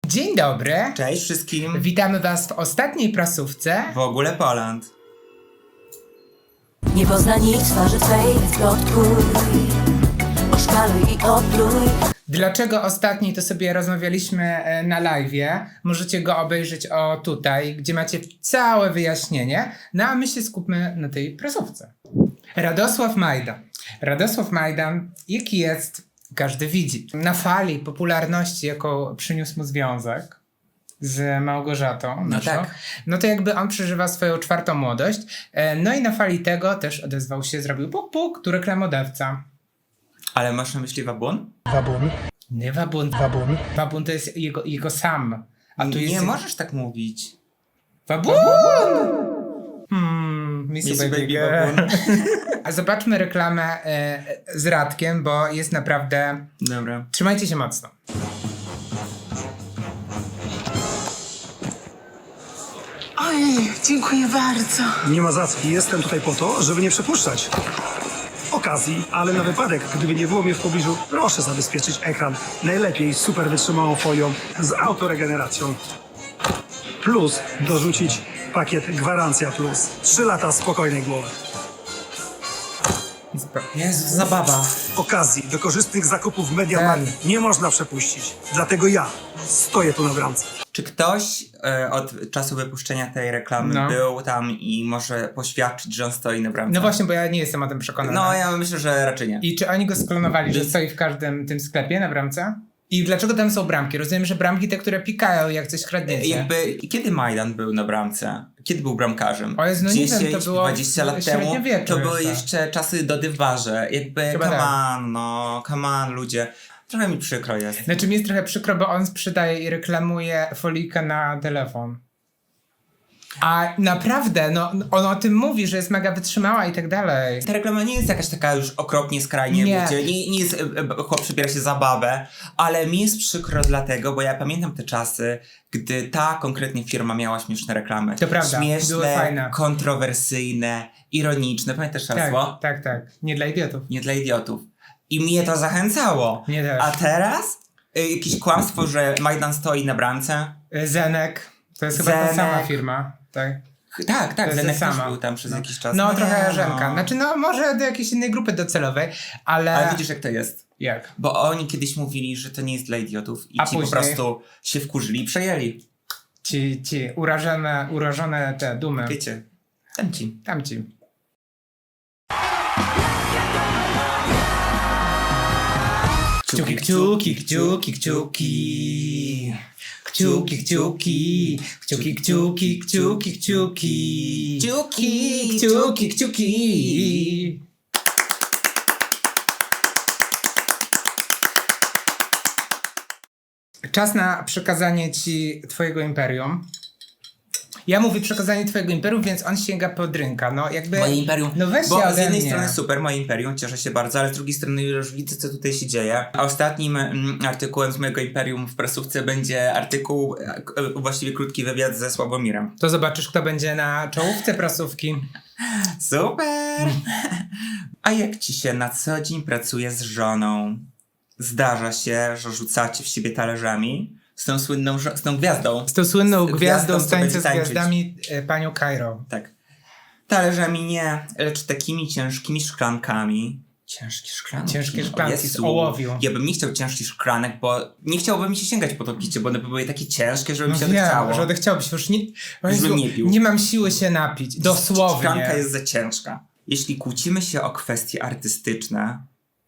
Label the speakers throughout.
Speaker 1: Dzień dobry.
Speaker 2: Cześć wszystkim.
Speaker 1: Witamy Was w ostatniej prasówce.
Speaker 2: W ogóle Poland.
Speaker 3: Nie pozna nikt twarzy twej, plotkuj, oszkaluj i opluj.
Speaker 1: Dlaczego ostatniej, to sobie rozmawialiśmy na live'ie. Możecie go obejrzeć tutaj, gdzie macie całe wyjaśnienie. No a my się skupmy na tej prasówce. Radosław Majdan. Radosław Majdan, jaki jest, każdy widzi. Na fali popularności, jaką przyniósł mu związek z Małgorzatą naszą,
Speaker 2: tak.
Speaker 1: No to jakby on przeżywa swoją czwartą młodość. No i na fali tego też odezwał się, zrobił puk puk, tu reklamodawca.
Speaker 2: Ale masz na myśli Wabun?
Speaker 4: Wabun.
Speaker 1: Nie Wabun.
Speaker 4: Wabun.
Speaker 1: Wabun to jest jego sam. A tu jest
Speaker 2: Nie możesz tak mówić.
Speaker 1: Wabun! Missy Baby
Speaker 2: Wabun.
Speaker 1: A zobaczmy reklamę z Radkiem, bo jest naprawdę...
Speaker 2: Dobra.
Speaker 1: Trzymajcie się mocno.
Speaker 5: Oj, dziękuję bardzo.
Speaker 4: Nie ma za co. Jestem tutaj po to, żeby nie przepuszczać okazji, ale na wypadek, gdyby nie było mnie w pobliżu, proszę zabezpieczyć ekran. Najlepiej super wytrzymałą folią z autoregeneracją. Plus dorzucić pakiet Gwarancja Plus. 3 lata spokojnej głowy.
Speaker 2: Jezu, zabawa.
Speaker 4: Okazji do korzystnych zakupów w MediaMarkt nie można przepuścić. Dlatego ja stoję tu na bramce.
Speaker 2: Czy ktoś od czasu wypuszczenia tej reklamy był tam i może poświadczyć, że on stoi na bramce?
Speaker 1: No właśnie, bo ja nie jestem o tym przekonany.
Speaker 2: No ja myślę, że raczej nie.
Speaker 1: I czy oni go sklonowali, że stoi w każdym tym sklepie na bramce? I dlaczego tam są bramki? Rozumiem, że bramki te, które pikają, jak coś kradniecie.
Speaker 2: Kiedy Majdan był na bramce? Kiedy był bramkarzem?
Speaker 1: O Jezu, no nie
Speaker 2: 10,
Speaker 1: wiem, to było
Speaker 2: 20 lat temu?
Speaker 1: średniowieczu
Speaker 2: To były
Speaker 1: jeszcze.
Speaker 2: jeszcze czasy dodywarze. Jakby,
Speaker 1: Chyba
Speaker 2: come on, ludzie. Trochę mi przykro jest.
Speaker 1: Znaczy mi jest trochę przykro, bo on sprzedaje i reklamuje folijkę na telefon. A naprawdę, no on o tym mówi, że jest mega wytrzymała i tak dalej.
Speaker 2: Ta reklama nie jest jakaś taka już okropnie skrajnie,
Speaker 1: Nie.
Speaker 2: wiecie, nie jest, chłop przybiera się za babę, ale mi jest przykro dlatego, bo ja pamiętam te czasy, gdy ta konkretnie firma miała śmieszne reklamy.
Speaker 1: To prawda, były
Speaker 2: Śmieszne,
Speaker 1: fajne.
Speaker 2: kontrowersyjne, ironiczne. Pamiętasz hasło?
Speaker 1: Tak. Nie dla idiotów.
Speaker 2: Nie dla idiotów. I mnie to zachęcało.
Speaker 1: Mnie też.
Speaker 2: A teraz jakieś kłamstwo, że Majdan stoi na bramce.
Speaker 1: Zenek, to jest chyba ta
Speaker 2: Zenek.
Speaker 1: sama firma. Tak.
Speaker 2: Tak,
Speaker 1: jest
Speaker 2: Zenek
Speaker 1: sama.
Speaker 2: też był tam przez jakiś czas.
Speaker 1: No
Speaker 2: nie,
Speaker 1: trochę Żenka. Znaczy no może do jakiejś innej grupy docelowej, ale...
Speaker 2: Ale widzisz jak to jest.
Speaker 1: Jak?
Speaker 2: Bo oni kiedyś mówili, że to nie jest dla idiotów i
Speaker 1: A
Speaker 2: ci po
Speaker 1: później?
Speaker 2: prostu się wkurzyli i przejęli.
Speaker 1: Ci urażone te dumy.
Speaker 2: Wiecie, ci.
Speaker 1: Tamci. Kciuki, kciuki, kciuki, kciuki. Kciuki, kciuki, kciuki, kciuki, kciuki, kciuki. Kciuki, kciuki. Czas na przekazanie ci twojego imperium. Ja mówię przekazanie twojego imperium, więc on sięga po drinka. No jakby...
Speaker 2: Moje imperium.
Speaker 1: No weź się
Speaker 2: bo z
Speaker 1: ode
Speaker 2: jednej
Speaker 1: mnie.
Speaker 2: strony super, moje imperium, cieszę się bardzo, ale z drugiej strony już widzę, co tutaj się dzieje. A ostatnim artykułem z mojego imperium w prasówce będzie artykuł, właściwie krótki wywiad ze Sławomirem.
Speaker 1: To zobaczysz, kto będzie na czołówce prasówki.
Speaker 2: Super! A jak ci się na co dzień pracuje z żoną? Zdarza się, że rzucacie w siebie talerzami? Z tą słynną, z tą gwiazdą.
Speaker 1: Z tą słynną
Speaker 2: Z
Speaker 1: gwiazdą z
Speaker 2: co
Speaker 1: tańca
Speaker 2: będzie
Speaker 1: z
Speaker 2: tańczyć.
Speaker 1: gwiazdami, panią Cairo.
Speaker 2: Tak. Talerzami nie, lecz takimi ciężkimi szklankami. Ciężkie szklanki.
Speaker 1: Ciężkie
Speaker 2: O
Speaker 1: szklanki z
Speaker 2: Jezu.
Speaker 1: ołowiu.
Speaker 2: Ja bym nie chciał ciężkich szklanek, bo nie chciałbym mi się sięgać po to picie, bo one by były takie ciężkie, żeby mi się odechciało.
Speaker 1: że odechciałbyś. Już nie,
Speaker 2: Już bym nie pił.
Speaker 1: nie mam siły się napić. Dosłownie.
Speaker 2: Szklanka jest za ciężka. Jeśli kłócimy się o kwestie artystyczne,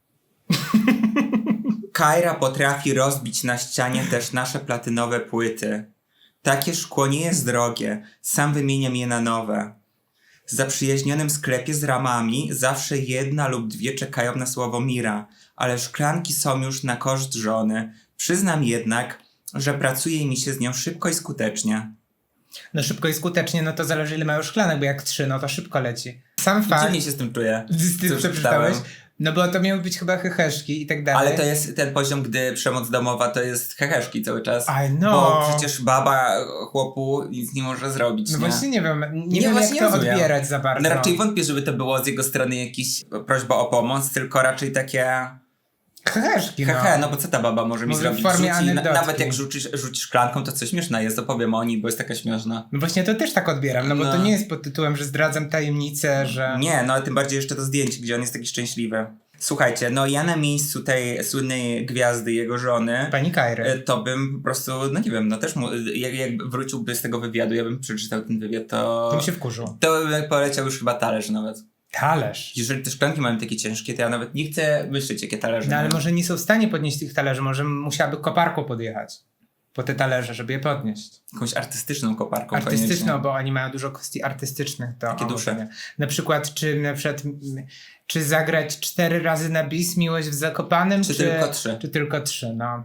Speaker 2: Kaira potrafi rozbić na ścianie też nasze platynowe płyty. Takie szkło nie jest drogie, sam wymieniam je na nowe. W zaprzyjaźnionym sklepie z ramami zawsze jedna lub dwie czekają na Sławomira, ale szklanki są już na koszt żony. Przyznam jednak, że pracuje mi się z nią szybko i skutecznie.
Speaker 1: No szybko i skutecznie, no to zależy ile mają szklanek, bo jak 3, no to szybko leci. Sam fakt.
Speaker 2: Dziwnie się z tym czuję.
Speaker 1: Z tym
Speaker 2: co
Speaker 1: przeczytałeś?
Speaker 2: czytałem.
Speaker 1: No bo to miały być chyba heheszki i tak dalej.
Speaker 2: Ale to jest ten poziom, gdy przemoc domowa to jest heheszki cały czas.
Speaker 1: I know.
Speaker 2: Bo przecież baba chłopu nic nie może zrobić,
Speaker 1: No
Speaker 2: nie?
Speaker 1: właśnie nie wiem, nie
Speaker 2: Nie,
Speaker 1: wiem
Speaker 2: właśnie
Speaker 1: jak to
Speaker 2: rozumiem.
Speaker 1: odbierać za bardzo.
Speaker 2: No raczej wątpię, żeby to było z jego strony jakiś prośba o pomoc, tylko raczej takie
Speaker 1: Heheszki, no.
Speaker 2: Hehe, no bo co ta baba może mi
Speaker 1: Może w
Speaker 2: zrobić?
Speaker 1: formie anegdotki.
Speaker 2: Nawet jak rzucisz szklanką, to coś śmieszna jest, opowiem o niej, bo jest taka śmieszna.
Speaker 1: No właśnie to też tak odbieram, no bo
Speaker 2: No.
Speaker 1: to nie jest pod tytułem, że zdradzam tajemnicę, że...
Speaker 2: Nie, no ale tym bardziej jeszcze to zdjęcie, gdzie on jest taki szczęśliwy. Słuchajcie, no ja na miejscu tej słynnej gwiazdy, jego żony,
Speaker 1: Pani Kajry.
Speaker 2: to bym po prostu, no nie wiem, no też jak wróciłby z tego wywiadu, ja bym przeczytał ten wywiad, to...
Speaker 1: To mi się wkurzył.
Speaker 2: To by poleciał już chyba talerz nawet.
Speaker 1: Talerz.
Speaker 2: Jeżeli te szklanki mają takie ciężkie, to ja nawet nie chcę myśleć, jakie talerze
Speaker 1: No ale
Speaker 2: mają.
Speaker 1: może nie są w stanie podnieść tych talerzy, może musiałaby koparką podjechać po te talerze, żeby je podnieść.
Speaker 2: Jakąś artystyczną koparką
Speaker 1: Artystyczną,
Speaker 2: koniecznie.
Speaker 1: bo oni mają dużo kwestii artystycznych. To
Speaker 2: Takie
Speaker 1: o,
Speaker 2: dusze.
Speaker 1: może nie. Na przykład, czy zagrać 4 razy na bis Miłość w Zakopanem,
Speaker 2: Czy tylko 3?
Speaker 1: Czy tylko 3, no.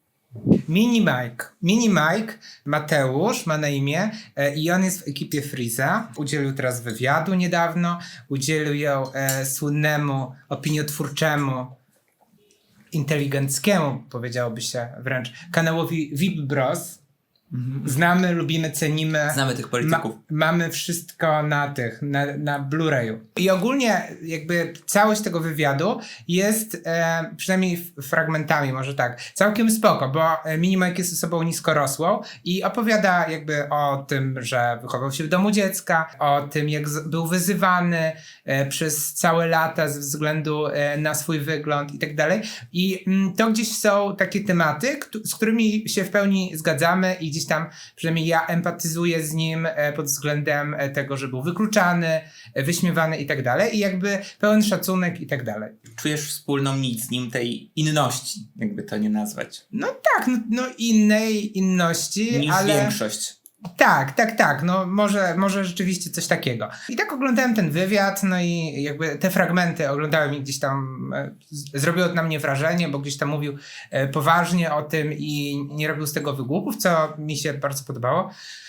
Speaker 1: Mini Mike, Mateusz ma na imię i on jest w ekipie Freeza. Udzielił teraz wywiadu niedawno, udzielił ją słynnemu, opiniotwórczemu, inteligenckiemu, powiedziałoby się wręcz, kanałowi VIP Bros. Znamy, lubimy, cenimy.
Speaker 2: Znamy tych polityków.
Speaker 1: Mamy wszystko na Blu-rayu. I ogólnie jakby całość tego wywiadu jest, przynajmniej fragmentami, może tak, całkiem spoko, bo Mini Mike jest osobą niskorosłą i opowiada jakby o tym, że wychował się w domu dziecka, o tym, jak był wyzywany przez całe lata ze względu na swój wygląd i tak dalej. I to gdzieś są takie tematy, z którymi się w pełni zgadzamy i gdzieś tam przynajmniej ja empatyzuję z nim pod względem tego, że był wykluczany, wyśmiewany i tak dalej i jakby pełen szacunek i tak dalej.
Speaker 2: Czujesz wspólną nic z nim tej inności, jakby to nie nazwać,
Speaker 1: No tak, no innej inności,
Speaker 2: niż
Speaker 1: ale...
Speaker 2: większość.
Speaker 1: Tak, no może rzeczywiście coś takiego. I tak oglądałem ten wywiad, no i jakby te fragmenty oglądałem i gdzieś tam zrobiło to na mnie wrażenie, bo gdzieś tam mówił poważnie o tym i nie robił z tego wygłupów, co mi się bardzo podobało.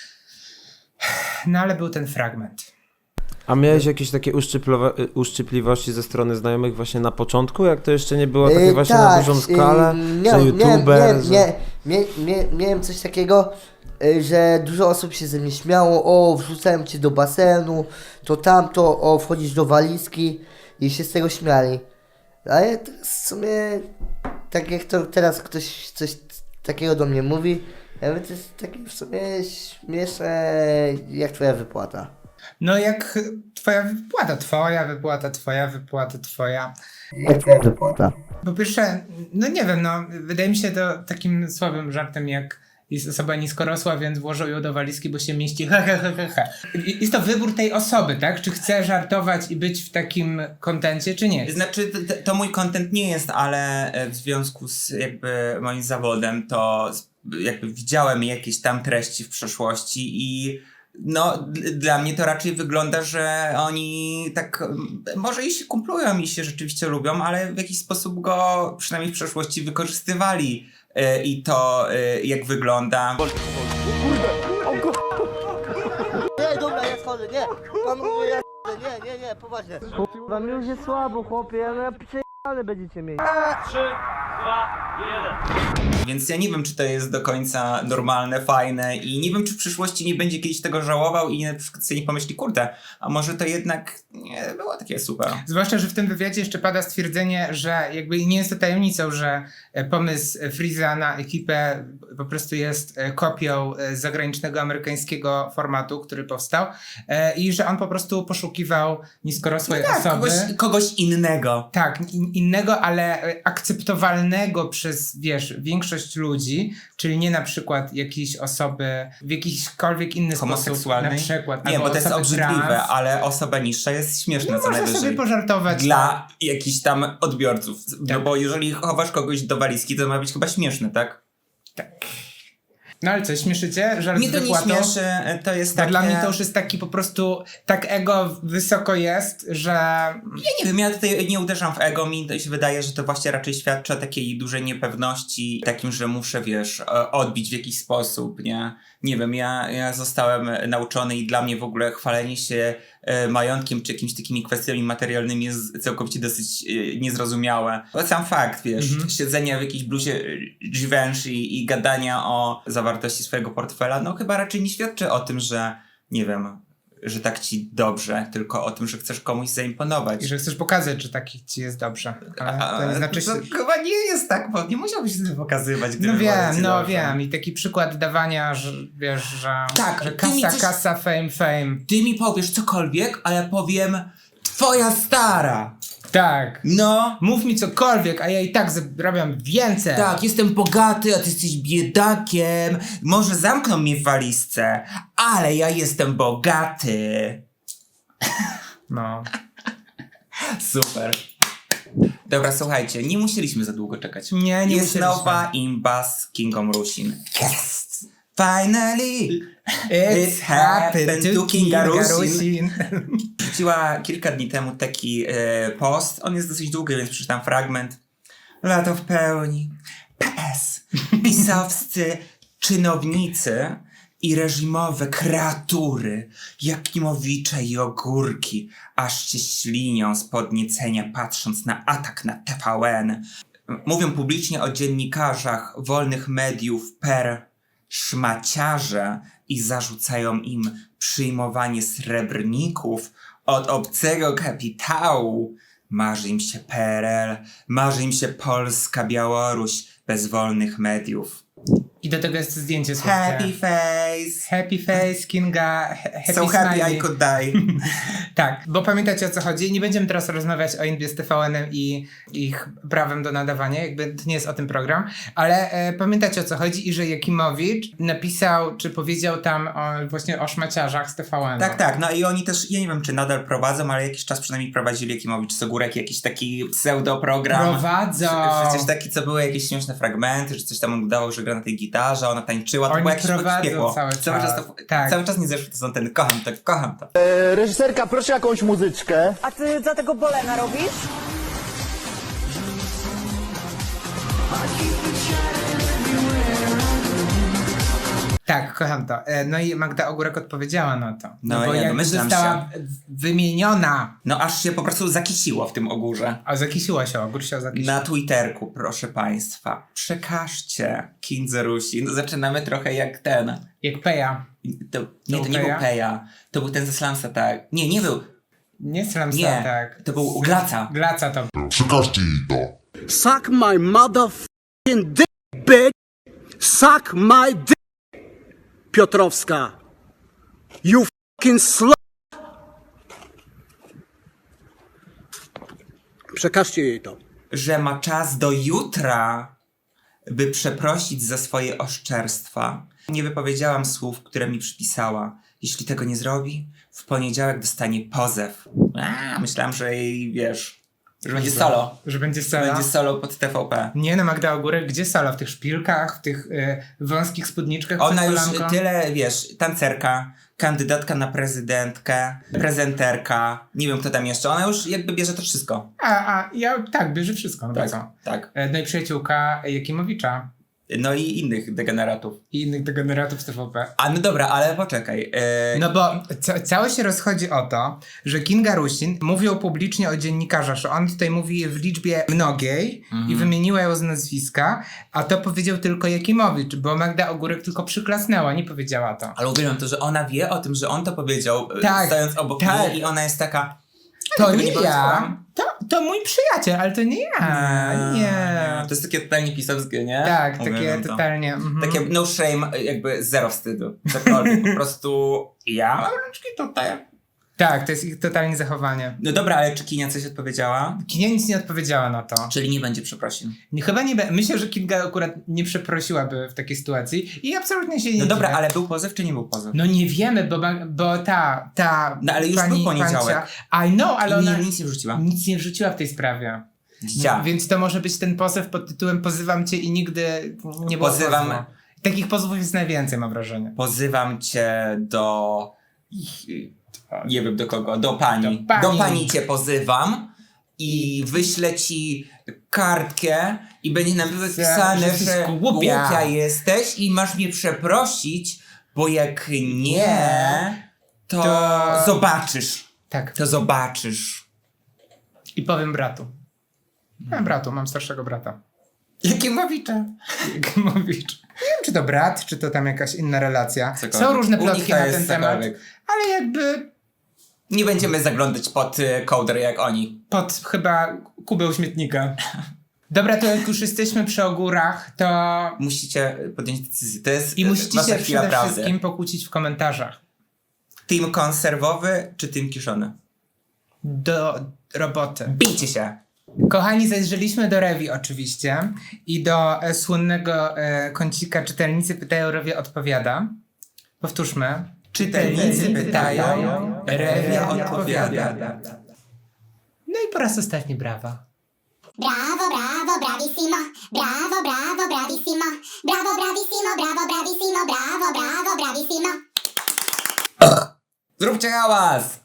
Speaker 1: No ale był ten fragment.
Speaker 6: A miałeś jakieś takie uszczypliwości ze strony znajomych właśnie na początku, jak to jeszcze nie było takie właśnie na dużą skalę, że youtuber,
Speaker 7: Miałem coś takiego, że dużo osób się ze mnie śmiało, o wrzucałem cię do basenu, to tamto, o wchodzisz do walizki i się z tego śmiali. Ale to w sumie, tak jak to teraz ktoś coś takiego do mnie mówi, ja mówię, to jest takie w sumie śmieszne jak twoja wypłata.
Speaker 1: No jak twoja wypłata.
Speaker 7: Jak twoja wypłata.
Speaker 1: Po pierwsze, no nie wiem, no wydaje mi się to takim słabym żartem, jak jest osoba niskorosła, więc włożą ją do walizki, bo się mieści Jest to wybór tej osoby, tak? Czy chce żartować i być w takim kontencie, czy nie?
Speaker 2: Znaczy, to mój content nie jest, ale w związku z jakby moim zawodem, to jakby widziałem jakieś tam treści w przeszłości i no, dla mnie to raczej wygląda, że oni tak, może i się kumplują i się rzeczywiście lubią, ale w jakiś sposób go przynajmniej w przeszłości wykorzystywali i to jak wygląda.
Speaker 7: Nie, dobra, ja schodzę, nie. Pan mówi, ja schodzę, nie, poważnie. Wam już jest słabo, chłopie, ale ale będziecie mieć.
Speaker 2: Więc ja nie wiem, czy to jest do końca normalne, fajne i nie wiem, czy w przyszłości nie będzie kiedyś tego żałował i na przykład sobie nie pomyśli, kurde, a może to jednak nie było takie super.
Speaker 1: Zwłaszcza, że w tym wywiadzie jeszcze pada stwierdzenie, że jakby nie jest to tajemnicą, że pomysł Freeza na ekipę po prostu jest kopią zagranicznego, amerykańskiego formatu, który powstał i że on po prostu poszukiwał niskorosłej osoby.
Speaker 2: Kogoś innego.
Speaker 1: Tak, innego, ale akceptowalnego przez, większość ludzi, czyli nie na przykład jakiejś osoby w jakiśkolwiek inny sposób,
Speaker 2: Homoseksualnej?
Speaker 1: na przykład.
Speaker 2: Nie,
Speaker 1: albo
Speaker 2: bo to jest
Speaker 1: osoby
Speaker 2: obrzydliwe,
Speaker 1: trans.
Speaker 2: ale osoba niższa jest śmieszna
Speaker 1: No
Speaker 2: co
Speaker 1: można
Speaker 2: najwyżej.
Speaker 1: sobie pożartować.
Speaker 2: Dla jakichś tam odbiorców. No
Speaker 1: Tak.
Speaker 2: bo jeżeli chowasz kogoś do walizki, to ma być chyba śmieszne, tak?
Speaker 1: No ale co, śmieszycie? Żart
Speaker 2: Mnie
Speaker 1: z
Speaker 2: to nie
Speaker 1: wypłatą?
Speaker 2: śmieszy, to jest
Speaker 1: Bo
Speaker 2: takie...
Speaker 1: dla mnie to już jest taki po prostu, tak ego wysoko jest, że...
Speaker 2: Ja nie wiem, ja tutaj nie uderzam w ego, mi to się wydaje, że to właśnie raczej świadczy o takiej dużej niepewności, takim, że muszę, odbić w jakiś sposób, nie? Nie wiem, ja zostałem nauczony i dla mnie w ogóle chwalenie się majątkiem czy jakimiś takimi kwestiami materialnymi jest całkowicie dosyć niezrozumiałe. Bo sam fakt, siedzenia w jakiejś bluzie Givenchy i gadania o zawartości swojego portfela, no chyba raczej nie świadczy o tym, że, nie wiem, że tak ci dobrze, tylko o tym, że chcesz komuś zaimponować.
Speaker 1: I że chcesz pokazać, że taki ci jest dobrze. Ale to nie znaczy, że...
Speaker 2: To chyba nie jest tak, bo nie musiałbyś się tym pokazywać, gdyby
Speaker 1: No
Speaker 2: było
Speaker 1: wiem,
Speaker 2: ci
Speaker 1: no
Speaker 2: dobrze.
Speaker 1: wiem. I taki przykład dawania, że wiesz, że,
Speaker 2: Tak,
Speaker 1: że
Speaker 2: ty mi
Speaker 1: kasa,
Speaker 2: coś-
Speaker 1: kasa, fame.
Speaker 2: Ty mi powiesz cokolwiek, a ja powiem twoja stara.
Speaker 1: Tak.
Speaker 2: No.
Speaker 1: Mów mi cokolwiek, a ja i tak zarabiam więcej.
Speaker 2: Tak, jestem bogaty, a ty jesteś biedakiem. Może zamkną mnie w walizce, ale ja jestem bogaty.
Speaker 1: No.
Speaker 2: Super. Dobra, słuchajcie, nie musieliśmy za długo czekać.
Speaker 1: Nie
Speaker 2: Jest
Speaker 1: musieliśmy.
Speaker 2: nowa imba z Kingą Rusin. Yes! Finally!
Speaker 1: It's happened to Kinga Rusin.
Speaker 2: Rzuciła kilka dni temu taki post. On jest dosyć długi, więc przeczytam fragment. Lato w pełni. PS. Pisowscy czynownicy i reżimowe kreatury, Jakimowicze i ogórki, aż się ślinią z podniecenia patrząc na atak na TVN. Mówią publicznie o dziennikarzach wolnych mediów per szmaciarze i zarzucają im przyjmowanie srebrników od obcego kapitału. Marzy im się PRL, marzy im się Polska, Białoruś bez wolnych mediów.
Speaker 1: I do tego jest zdjęcie słodkie.
Speaker 2: Happy face.
Speaker 1: Happy face, Kinga, happy
Speaker 2: So happy
Speaker 1: smiley.
Speaker 2: I could die.
Speaker 1: Tak, bo pamiętacie o co chodzi. Nie będziemy teraz rozmawiać o Inbie z TVN-em i ich prawem do nadawania, jakby to nie jest o tym program, ale pamiętacie o co chodzi i że Jakimowicz napisał, czy powiedział tam właśnie o szmaciarzach z TVN-u.
Speaker 2: Tak, tak. No i oni też, ja nie wiem czy nadal prowadzą, ale jakiś czas przynajmniej prowadzili Jakimowicz Sogórek, jakiś taki pseudoprogram.
Speaker 1: Prowadzą.
Speaker 2: Przecież taki, co były jakieś śmieszne fragmenty, że coś tam udało, że gra na tej gitarze, ona tańczyła, to
Speaker 1: Oni
Speaker 2: było jakieś
Speaker 1: prowadzą
Speaker 2: piekło.
Speaker 1: cały czas. Tak.
Speaker 2: Cały czas nie zeszły to są ten, kocham to.
Speaker 8: Reżyserka, proszę jakąś muzyczkę.
Speaker 5: A ty za tego Bolena robisz?
Speaker 1: Tak, kocham to. No i Magda Ogórek odpowiedziała na to.
Speaker 2: No
Speaker 1: bo
Speaker 2: ja
Speaker 1: jak
Speaker 2: domyślam
Speaker 1: została wymieniona,
Speaker 2: No aż się po prostu zakisiło w tym ogórze.
Speaker 1: a zakisiła się, ogór się zakisił.
Speaker 2: Na Twitterku, proszę państwa, przekażcie Kindze Rusin. Zaczynamy trochę jak ten.
Speaker 1: Jak Peja.
Speaker 2: To nie był
Speaker 1: Peja?
Speaker 2: Peja. To był ten ze Slamsa, tak. Nie był.
Speaker 1: Nie strzelam
Speaker 2: Nie.
Speaker 1: tak.
Speaker 2: To był Glaca.
Speaker 1: Glaca to.
Speaker 9: Przekażcie jej to.
Speaker 8: Suck my motherfucking dick, bitch. Suck my dick. Piotrowska. You fucking slut. Przekażcie jej to.
Speaker 2: Że ma czas do jutra, by przeprosić za swoje oszczerstwa. Nie wypowiedziałam słów, które mi przypisała. Jeśli tego nie zrobi, w poniedziałek dostanie pozew. Myślałam, że jej, wiesz, że będzie solo.
Speaker 1: Że będzie solo.
Speaker 2: Będzie solo pod TVP.
Speaker 1: Nie no, Magda Ogórek, gdzie solo? W tych szpilkach, w tych wąskich spódniczkach
Speaker 2: Ona
Speaker 1: przed
Speaker 2: już
Speaker 1: kolanką?
Speaker 2: tyle, wiesz, tancerka, kandydatka na prezydentkę, prezenterka, nie wiem kto tam jeszcze, ona już jakby bierze to wszystko.
Speaker 1: Ja tak, bierze wszystko. No
Speaker 2: Tak,
Speaker 1: co?
Speaker 2: tak.
Speaker 1: No i przyjaciółka Jakimowicza
Speaker 2: No i innych degeneratów.
Speaker 1: i innych degeneratów z TVP.
Speaker 2: A no dobra, ale poczekaj.
Speaker 1: No bo całe się rozchodzi o to, że Kinga Rusin mówił publicznie o dziennikarzach, że on tutaj mówi w liczbie mnogiej i wymieniła ją z nazwiska, a to powiedział tylko Jakimowicz, bo Magda Ogórek tylko przyklasnęła, nie powiedziała to.
Speaker 2: Ale uwielbiam to, że ona wie o tym, że on to powiedział,
Speaker 1: Tak,
Speaker 2: stojąc obok
Speaker 1: tak.
Speaker 2: niej i ona jest taka...
Speaker 1: To
Speaker 2: tego
Speaker 1: nie
Speaker 2: nie
Speaker 1: ja,
Speaker 2: powiedziałam.
Speaker 1: to mój przyjaciel, ale to nie ja, nie.
Speaker 2: To jest takie totalnie pisowskie, nie?
Speaker 1: Tak,
Speaker 2: Uwielbiam
Speaker 1: takie
Speaker 2: to.
Speaker 1: totalnie.
Speaker 2: Takie no shame, jakby zero wstydu. Cokolwiek, po prostu ja mam rączki tutaj.
Speaker 1: Tak, to jest ich totalnie zachowanie.
Speaker 2: No dobra, ale czy Kinia coś odpowiedziała?
Speaker 1: Kinia nic nie odpowiedziała na to.
Speaker 2: Czyli nie będzie przeprosin.
Speaker 1: Chyba nie. Myślę, że Kinga akurat nie przeprosiłaby w takiej sytuacji i absolutnie się nie
Speaker 2: No dobra,
Speaker 1: dziwię.
Speaker 2: ale był pozew czy nie był pozew?
Speaker 1: No nie wiemy, bo ta
Speaker 2: No ale już
Speaker 1: pani
Speaker 2: był poniedziałek.
Speaker 1: Pancia, I know, ale
Speaker 2: I
Speaker 1: ona
Speaker 2: nic nie wrzuciła.
Speaker 1: nic nie wrzuciła w tej sprawie.
Speaker 2: Dzicia.
Speaker 1: Więc to może być ten pozew pod tytułem pozywam cię i nigdy nie było
Speaker 2: Pozywam-
Speaker 1: pozwu. Takich pozwów jest najwięcej, mam wrażenie.
Speaker 2: Pozywam cię do... Nie wiem do kogo. Do pani.
Speaker 1: Do pani.
Speaker 2: Do pani cię pozywam i wyślę ci kartkę i będzie nam
Speaker 1: że
Speaker 2: wypisane,
Speaker 1: jesteś
Speaker 2: że
Speaker 1: głupia.
Speaker 2: głupia jesteś i masz mnie przeprosić, bo jak nie, to zobaczysz.
Speaker 1: Tak.
Speaker 2: To zobaczysz.
Speaker 1: I powiem bratu. Mam bratu, mam starszego brata. Jakimowicza. Jakimowicz. Nie wiem, czy to brat, czy to tam jakaś inna relacja.
Speaker 2: Cokolwiek.
Speaker 1: Są różne
Speaker 2: U nich
Speaker 1: plotki
Speaker 2: to
Speaker 1: na
Speaker 2: jest
Speaker 1: ten temat,
Speaker 2: cokolwiek.
Speaker 1: ale jakby
Speaker 2: Nie będziemy zaglądać pod kołdrę jak oni.
Speaker 1: pod chyba kubeł śmietnika. Dobra, to jak już jesteśmy przy ogórach, to...
Speaker 2: Musicie podjąć decyzję. To jest
Speaker 1: I musicie
Speaker 2: wasza
Speaker 1: się
Speaker 2: chwila
Speaker 1: przede
Speaker 2: prawdy.
Speaker 1: wszystkim pokłócić w komentarzach.
Speaker 2: Team konserwowy czy team kiszony?
Speaker 1: Do roboty.
Speaker 2: Bijcie się!
Speaker 1: Kochani, zajrzeliśmy do Rewi oczywiście i do słynnego kącika czytelnicy pytają, Rewia odpowiada. Powtórzmy. Czytelnicy pytają, Rewia odpowiada. No i po raz ostatni brawa.
Speaker 9: Bravo, bravo, bravissimo. Bravo, bravo, bravissimo. Bravo, bravissimo, bravo, bravissimo, bravo, bravo, bravissimo.
Speaker 2: Zróbcie hałas!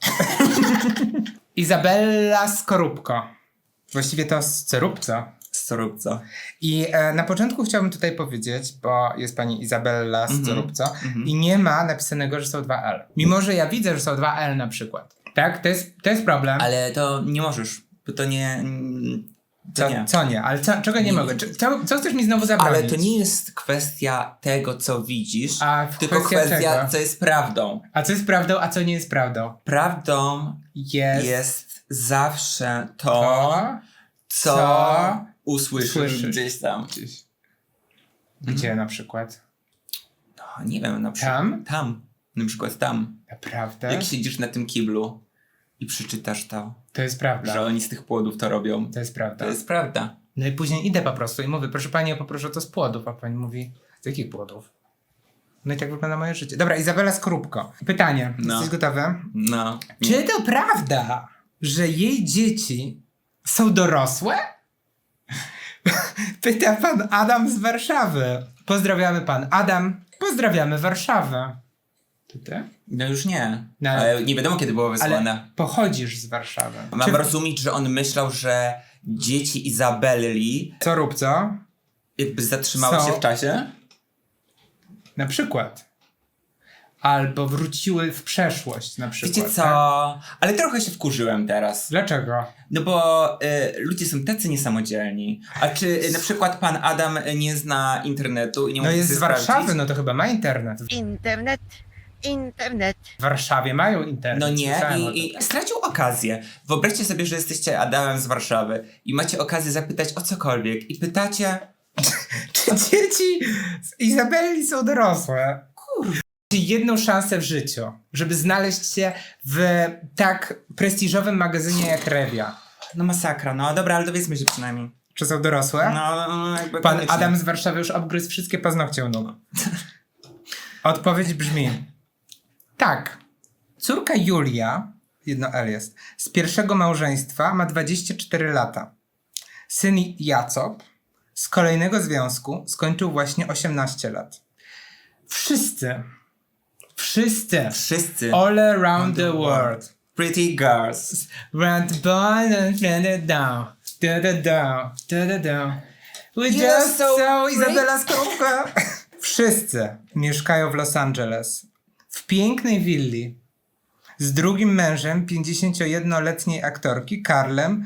Speaker 1: Izabella Skorupko. Właściwie to Skorupco.
Speaker 2: Skorupco.
Speaker 1: I na początku chciałbym tutaj powiedzieć, bo jest pani Izabella Skorupco i nie ma napisanego, że są 2 L. Mimo, że ja widzę, że są 2 L na przykład. Tak? To jest problem.
Speaker 2: Ale to nie możesz, bo to nie... To nie.
Speaker 1: Co nie? Ale czego nie mogę? Co chcesz mi znowu zabronić?
Speaker 2: Ale to nie jest kwestia tego, co widzisz,
Speaker 1: A
Speaker 2: tylko kwestia,
Speaker 1: czego?
Speaker 2: co jest prawdą.
Speaker 1: A co jest prawdą, a co nie jest prawdą?
Speaker 2: Prawdą jest zawsze to, co usłyszysz gdzieś tam.
Speaker 1: Gdzie na przykład?
Speaker 2: No, nie wiem, na przykład tam. Na przykład tam.
Speaker 1: Naprawdę?
Speaker 2: Jak siedzisz na tym kiblu i przeczytasz to,
Speaker 1: To jest prawda.
Speaker 2: że oni z tych płodów to robią.
Speaker 1: To jest prawda.
Speaker 2: To jest prawda.
Speaker 1: No i później idę po prostu i mówię, proszę pani, ja poproszę to z płodów, a pani mówi, z jakich płodów? No i tak wygląda moje życie. Dobra, Izabela Skorupko. Pytanie.
Speaker 2: No.
Speaker 1: Jesteś gotowy?
Speaker 2: No.
Speaker 1: Czy to prawda, że jej dzieci są dorosłe? Pyta pan Adam z Warszawy. Pozdrawiamy pan Adam. Pozdrawiamy Warszawę. To ty?
Speaker 2: No już nie.
Speaker 1: No,
Speaker 2: ale nie wiadomo, kiedy było wysłane.
Speaker 1: Ale pochodzisz z Warszawy.
Speaker 2: Mam rozumieć, że on myślał, że dzieci Izabelli
Speaker 1: Co rób co?
Speaker 2: jakby zatrzymały
Speaker 1: Są-
Speaker 2: się w czasie?
Speaker 1: Na przykład. Albo wróciły w przeszłość na przykład.
Speaker 2: Wiecie co?
Speaker 1: Tak?
Speaker 2: Ale trochę się wkurzyłem teraz.
Speaker 1: Dlaczego?
Speaker 2: No bo ludzie są tacy niesamodzielni. A czy na przykład pan Adam nie zna internetu i nie
Speaker 1: No
Speaker 2: może
Speaker 1: jest
Speaker 2: sobie
Speaker 1: z Warszawy,
Speaker 2: sprawdzić?
Speaker 1: no to chyba ma internet.
Speaker 5: Internet.
Speaker 1: W Warszawie mają internet.
Speaker 2: No nie,
Speaker 1: słyszałem o tym.
Speaker 2: i stracił okazję. Wyobraźcie sobie, że jesteście Adamem z Warszawy i macie okazję zapytać o cokolwiek i pytacie...
Speaker 1: Czy dzieci z Izabelli są dorosłe? Kurwa. Jedną szansę w życiu, żeby znaleźć się w tak prestiżowym magazynie jak Rewia.
Speaker 2: No masakra, no dobra, ale dowiedzmy się przynajmniej.
Speaker 1: Czy są dorosłe?
Speaker 2: No jakby
Speaker 1: Pan
Speaker 2: koniecznie.
Speaker 1: Adam z Warszawy już obgryzł wszystkie paznokcie u nóg. Odpowiedź brzmi: tak. Córka Julia, jedno L jest, z pierwszego małżeństwa ma 24 lata. Syn Jacop z kolejnego związku skończył właśnie 18 lat. Wszyscy, all around the world,
Speaker 2: Pretty girls.
Speaker 1: round the ball and turn it down, da. We
Speaker 2: You're
Speaker 1: just
Speaker 2: so
Speaker 1: saw Izabela Skorupka. Wszyscy mieszkają w Los Angeles, w pięknej willi, z drugim mężem 51-letniej aktorki Karlem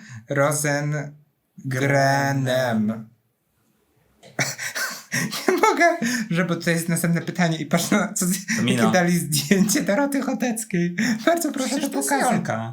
Speaker 1: Rosengrenem. Nie mogę, że bo tutaj jest następne pytanie i patrz na co
Speaker 2: Mino.
Speaker 1: jakie dali zdjęcie Doroty Choteckiej. Bardzo proszę to pokazać.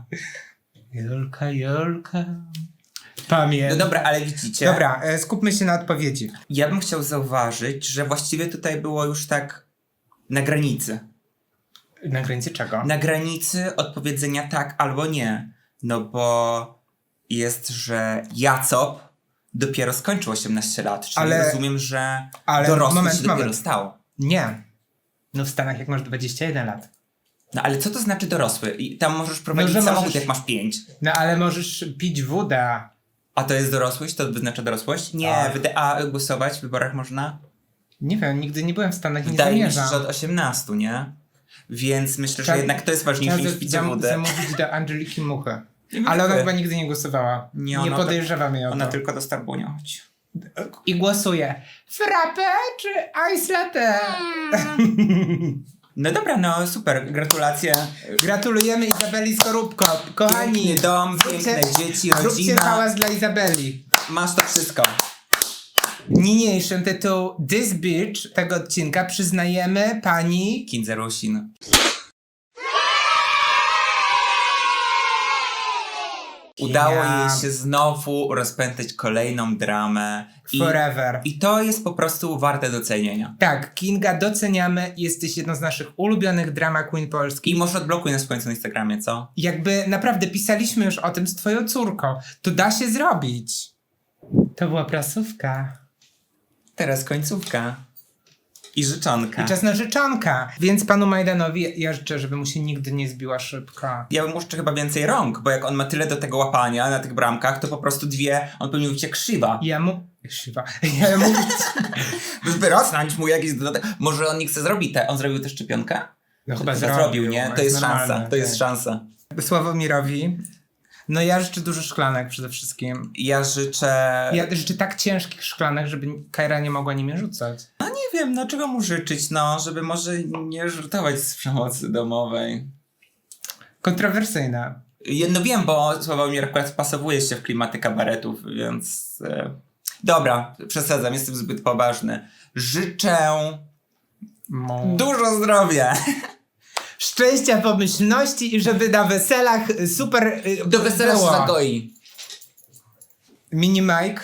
Speaker 1: Jolka. Pamiętam.
Speaker 2: No dobra, ale widzicie.
Speaker 1: Dobra, skupmy się na odpowiedzi.
Speaker 2: Ja bym chciał zauważyć, że właściwie tutaj było już tak na granicy.
Speaker 1: Na granicy czego?
Speaker 2: Na granicy odpowiedzenia tak albo nie. No bo jest, że Jacop dopiero skończył 18 lat, czyli
Speaker 1: Ale-
Speaker 2: rozumiem, że
Speaker 1: ale
Speaker 2: dorosły
Speaker 1: moment,
Speaker 2: się dopiero
Speaker 1: moment.
Speaker 2: stał.
Speaker 1: Nie. No w Stanach jak masz 21 lat.
Speaker 2: No ale co to znaczy dorosły? I tam możesz prowadzić
Speaker 1: że
Speaker 2: samochód,
Speaker 1: możesz-
Speaker 2: jak masz 5.
Speaker 1: No ale możesz pić wodę.
Speaker 2: A to jest dorosłość? To wyznacza dorosłość? Nie,
Speaker 1: Tak.
Speaker 2: a głosować w wyborach można?
Speaker 1: Nie wiem, nigdy nie byłem w Stanach i nie
Speaker 2: Wydaje mi się,
Speaker 1: zamierzam.
Speaker 2: że od 18, nie? Więc myślę, że
Speaker 1: Trzeba-
Speaker 2: jednak to jest ważniejsze niż
Speaker 1: Trzeba
Speaker 2: picie wody.
Speaker 1: zamówić do Angeliki Muchy.
Speaker 2: wiem,
Speaker 1: Ale ona
Speaker 2: wy.
Speaker 1: chyba nigdy nie głosowała.
Speaker 2: Nie,
Speaker 1: Nie
Speaker 2: ona
Speaker 1: podejrzewam jej o
Speaker 2: Ona
Speaker 1: to.
Speaker 2: tylko do Starbunia chodzi.
Speaker 1: I głosuje. Frappe czy ice latte?
Speaker 2: No dobra, no super, gratulacje.
Speaker 1: Gratulujemy Izabeli Skorupko. Kochani,
Speaker 2: Piękny dom,
Speaker 1: zróbcie-
Speaker 2: piękne dzieci,
Speaker 1: zróbcie
Speaker 2: rodzina.
Speaker 1: hałas dla Izabeli.
Speaker 2: Masz to wszystko.
Speaker 1: Niniejszym tytuł This Bitch tego odcinka przyznajemy pani...
Speaker 2: Kindze Rusin. Udało jej się znowu rozpętać kolejną dramę.
Speaker 1: Forever.
Speaker 2: I to jest po prostu warte docenienia.
Speaker 1: Tak, Kinga, doceniamy. Jesteś jedną z naszych ulubionych drama queen polskich.
Speaker 2: I może odblokuj nas w końcu na Instagramie, co?
Speaker 1: Jakby naprawdę pisaliśmy już o tym z twoją córką. To da się zrobić. To była prasówka.
Speaker 2: Teraz końcówka. I życzonka.
Speaker 1: I czas na życzonka. Więc panu Majdanowi ja życzę, żeby mu się nigdy nie zbiła szybka.
Speaker 2: Ja bym jeszcze chyba więcej rąk, bo jak on ma tyle do tego łapania na tych bramkach, to po prostu dwie, on powinien być jak krzywa.
Speaker 1: Ja mu... Krzywa. Ja mu...
Speaker 2: By rosnąć mu jakiś dodatek. Może on nie chce zrobić on zrobił tę szczepionkę?
Speaker 1: No chyba
Speaker 2: zrobił, nie? To jest szansa. To jest szansa.
Speaker 1: Sławomirowi. No ja życzę dużo szklanek przede wszystkim.
Speaker 2: Ja życzę...
Speaker 1: Ja życzę tak ciężkich szklanek, żeby Kajra nie mogła nimi rzucać.
Speaker 2: No nie wiem, no czego mu życzyć, no, żeby może nie żartować z przemocy domowej.
Speaker 1: Kontrowersyjne.
Speaker 2: No wiem, bo Sławomir akurat wpasowuje się w klimaty kabaretów, więc... Dobra, przesadzam, jestem zbyt poważny. Życzę dużo zdrowia.
Speaker 1: Szczęścia, pomyślności i żeby na weselach super
Speaker 2: Do wesela się zagoi.
Speaker 1: Mini Mike.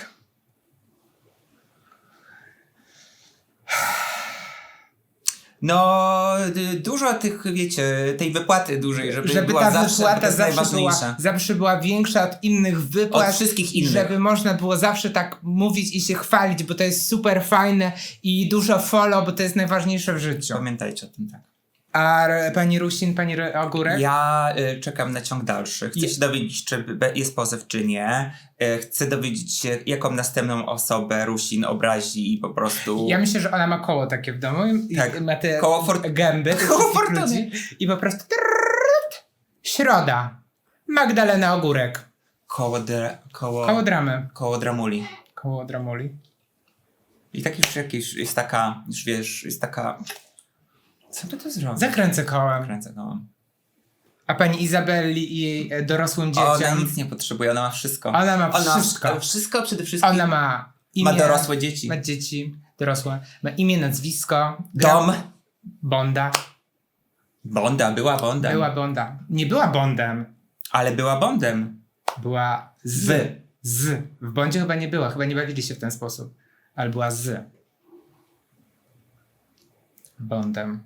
Speaker 2: No, dużo tych, wiecie, tej wypłaty dużej, żeby była
Speaker 1: ta
Speaker 2: zawsze,
Speaker 1: wypłata
Speaker 2: to jest
Speaker 1: zawsze była większa od innych wypłat.
Speaker 2: Od wszystkich innych.
Speaker 1: Żeby można było zawsze tak mówić i się chwalić, bo to jest super fajne i dużo follow, bo to jest najważniejsze w życiu.
Speaker 2: Pamiętajcie o tym, tak.
Speaker 1: A pani Rusin, pani Ogórek?
Speaker 2: Ja czekam na ciąg dalszy. Chcę się dowiedzieć, czy jest pozew, czy nie. Chcę dowiedzieć się, jaką następną osobę Rusin obrazi i po prostu...
Speaker 1: Ja myślę, że ona ma koło takie w domu.
Speaker 2: Tak.
Speaker 1: I ma te
Speaker 2: Koło
Speaker 1: gęby.
Speaker 2: Koło fortuny.
Speaker 1: I po prostu... Środa. Magdalena Ogórek. Koło dramy.
Speaker 2: Koło dramuli.
Speaker 1: Koło dramuli.
Speaker 2: I tak już jakieś jest taka, już wiesz, jest taka... Co by to zrobić?
Speaker 1: Zakręcę kołem.
Speaker 2: Kręcę kołem.
Speaker 1: A pani Izabelli i jej dorosłym dzieciom?
Speaker 2: Ona nic nie potrzebuje, ona ma wszystko.
Speaker 1: Ona ma wszystko.
Speaker 2: Wszystko przede wszystkim.
Speaker 1: Ona ma imię.
Speaker 2: Ma dorosłe dzieci.
Speaker 1: Ma dzieci dorosłe. Ma imię, nazwisko.
Speaker 2: Dom.
Speaker 1: Bonda.
Speaker 2: Bonda, była Bondem.
Speaker 1: Była Bonda. Nie była Bondem.
Speaker 2: Ale była Bondem.
Speaker 1: Była z. W Bondzie chyba nie była. Chyba nie bawili się w ten sposób. Ale była z. Bondem.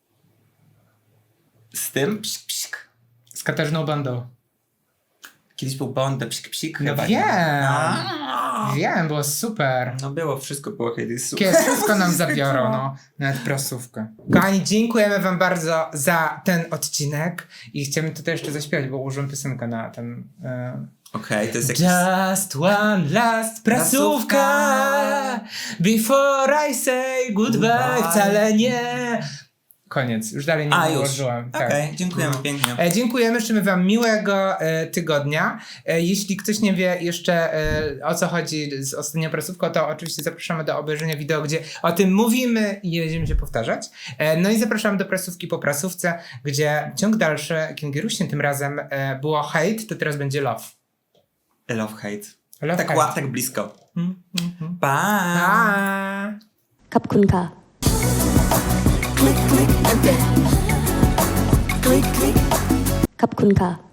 Speaker 2: Z tym psik, psik.
Speaker 1: Z Katarzyną Bondą.
Speaker 2: Kiedyś był Bond, psik, psik.
Speaker 1: No
Speaker 2: chyba,
Speaker 1: wiem.
Speaker 2: nie?
Speaker 1: Wiem, było super.
Speaker 2: No było, wszystko było kiedyś super.
Speaker 1: Kiedy wszystko nam zabiorą, no. Nawet prasówkę. Kochani, dziękujemy wam bardzo za ten odcinek i chcemy tutaj jeszcze zaśpiewać, bo ułożyłem piosenkę na ten...
Speaker 2: Okej, to jest jakiś...
Speaker 1: Just one last prasówka before I say goodbye. Wcale nie. Koniec, już dalej nie ułożyłem.
Speaker 2: Okej, dziękujemy pięknie.
Speaker 1: Dziękujemy, życzymy wam miłego tygodnia. Jeśli ktoś nie wie jeszcze o co chodzi z ostatnią prasówką, to oczywiście zapraszamy do obejrzenia wideo, gdzie o tym mówimy i nie będziemy się powtarzać. No i zapraszamy do prasówki po prasówce, gdzie ciąg dalszy Kingi Rusin, tym razem było hate, to teraz będzie love.
Speaker 2: Love, hate.
Speaker 1: Love,
Speaker 2: tak,
Speaker 1: hate.
Speaker 2: tak blisko.
Speaker 1: Pa!
Speaker 2: Pa!
Speaker 3: Kapkunka. Klik, klik, and then. Klik, klik. Kapkunka.